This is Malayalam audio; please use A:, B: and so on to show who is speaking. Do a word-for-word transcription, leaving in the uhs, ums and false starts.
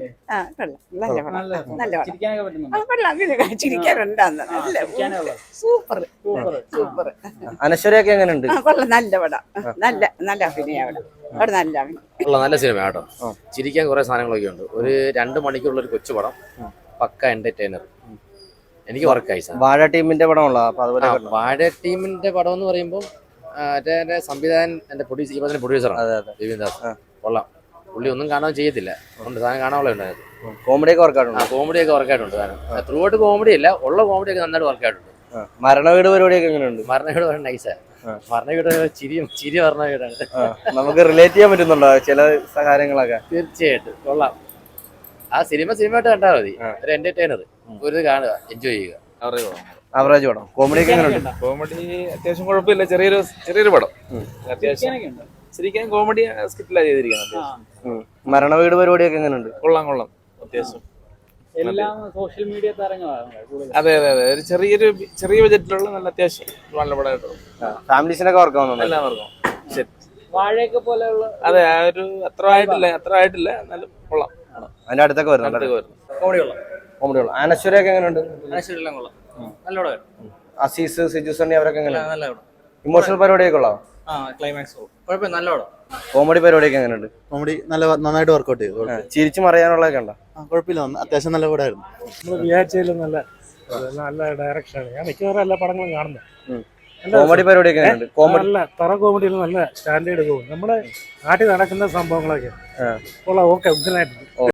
A: ആ കൊള്ളാം നല്ല പടം നല്ല പടം ആ കൊള്ളാം അങ്ങനെ ചിരിക്കാനുണ്ടാന്ന് നല്ല സൂപ്പർ സൂപ്പർ
B: അനശ്വരയൊക്കെ എങ്ങനെയുണ്ട്?
A: ആ കൊള്ളാം നല്ല പടം നല്ല നല്ല അഭിനയം അവിടെ അവിടെ നല്ല അഭിനയം
C: ഉള്ള നല്ല സിനിമ കേട്ടോ. ചിരിക്കാൻ കുറെ സാധനങ്ങളൊക്കെ ഉണ്ട്. ഒരു രണ്ട് മണിക്കുള്ള ഒരു കൊച്ചു പടം, പക്ക എന്റർടൈനർ. എനിക്ക് വർക്കായി.
B: വാഴ ടീമിന്റെ പടമുള്ള അപ്പൊ അതുപോലെ
C: വാഴ ടീമിന്റെ പടം എന്ന് പറയുമ്പോൾ എന്റെ സംവിധായകൻ എന്റെ പ്രൊഡ്യൂസർ ഈ പടത്തിന്റെ പ്രൊഡ്യൂസറാണ് രവീന്ദ്രദാസ്. കൊള്ളാം. പുള്ളി ഒന്നും കാണാൻ ചെയ്യത്തില്ല, ഉണ്ട് സാധനം കാണാനുള്ള ഉണ്ടായിരുന്നു.
B: കോമഡി ഒക്കെ വർക്കായിട്ടുണ്ട്.
C: ആ കോമഡി ഒക്കെ വർക്കായിട്ടുണ്ട് സാധനം. ത്രൂ ഔട്ട് കോമഡി അല്ല, ഉള്ള കോമഡി ഒക്കെ നന്നായിട്ട് വർക്കായിട്ടുണ്ട്.
B: മരണ വീട് പരിപാടിയൊക്കെ എങ്ങനെയുണ്ട്?
C: മരണ വീട് പറഞ്ഞ നൈസാ. മരണ വീട് ചിരിയും ചിരി പറഞ്ഞ വീടാണ്.
B: നമുക്ക് റിലേറ്റ് ചെയ്യാൻ പറ്റുന്നുണ്ടോ ചില കാര്യങ്ങളൊക്കെ?
C: തീർച്ചയായിട്ടും കൊള്ളാം. ആ സിനിമ സിനിമയായിട്ട് കണ്ടാൽ മതി. ഒരു എന്റർടൈനർ, ഒരു കാണുക, എൻജോയ് ചെയ്യുക.
B: ആവറേജ് പടം. കോമഡി ഒക്കെ എങ്ങനെയുണ്ട്?
D: കോമഡി അത്യാവശ്യം കുഴപ്പമില്ല. ചെറിയൊരു ചെറിയൊരു പടം. അത്യാവശ്യം ശരിക്കും കോമഡി സ്കിറ്റിലാണ് ചെയ്തിരിക്കുന്നത്.
B: മരണ വീട് പരിപാടിയൊക്കെ എങ്ങനെയുണ്ട്?
D: കൊള്ളാം കൊള്ളാം അത്യാവശ്യം.
E: എല്ലാം സോഷ്യൽ മീഡിയ താരങ്ങളാണ്.
D: അതെ അതെ അതെ ഒരു ചെറിയൊരു ചെറിയ ബജറ്റിലുള്ള നല്ല അത്യാവശ്യം നല്ല പടമായിട്ടുള്ളൂ.
B: ഫാമിലീസിനൊക്കെ വർക്കാവുന്നുണ്ട്
D: എല്ലാവർക്കും ശരി.
E: വാഴയൊക്കെ പോലെയുള്ള
D: അതെ ആ ഒരു അത്ര ആയിട്ടില്ല അത്ര ആയിട്ടില്ല എന്നാലും കൊള്ളാം.
B: അതിന്റെ അടുത്തൊക്കെ വരുന്നുണ്ട്.
C: കോമഡി കൊള്ളാം.
B: കോമഡി കൊള്ളാം. അനശ്വരയൊക്കെ എങ്ങനെയുണ്ട്?
C: അനശ്വരെല്ലാം കൊള്ളാം. നല്ല പടം.
B: അസീസ്, സിജു സണ്ണി അവരൊക്കെ എങ്ങനെയാണ്?
C: നല്ല പടം.
B: ഇമോഷണൽ പരിപാടിയൊക്കെ ഉള്ളോ?
C: ആ ക്ലൈമാക്സ് കുഴപ്പമില്ല, നല്ല പടം.
B: കോമഡി പരിപാടിയൊക്കെ എങ്ങനെയുണ്ട്?
F: കോമഡി നല്ല നന്നായിട്ട് വർക്കൗട്ട് ചെയ്തു.
B: ചിരിച്ചു മറിയാനുള്ളതൊക്കെ ഉണ്ടോ?
F: കുഴപ്പമില്ല, അത്യാവശ്യം നല്ല പടമായിരുന്നു.
G: നമ്മൾ വിചാരിച്ചതിലും നല്ല നല്ല ഡയറക്ഷനാണ്. ഞാൻ മിക്കവാറും എല്ലാ പടങ്ങളും കാണുന്നത്.
B: കോമഡി പരിപാടിയൊക്കെ എങ്ങനെയുണ്ട്? കോമഡി
G: നല്ല തറ കോമഡിയിൽ നല്ല സ്റ്റാൻഡേർഡ് പോകും. നമ്മുടെ നാട്ടിൽ നടക്കുന്ന സംഭവങ്ങളൊക്കെ ഉള്ള ഓക്കെ ഉഗ്രനായിട്ടുണ്ട്.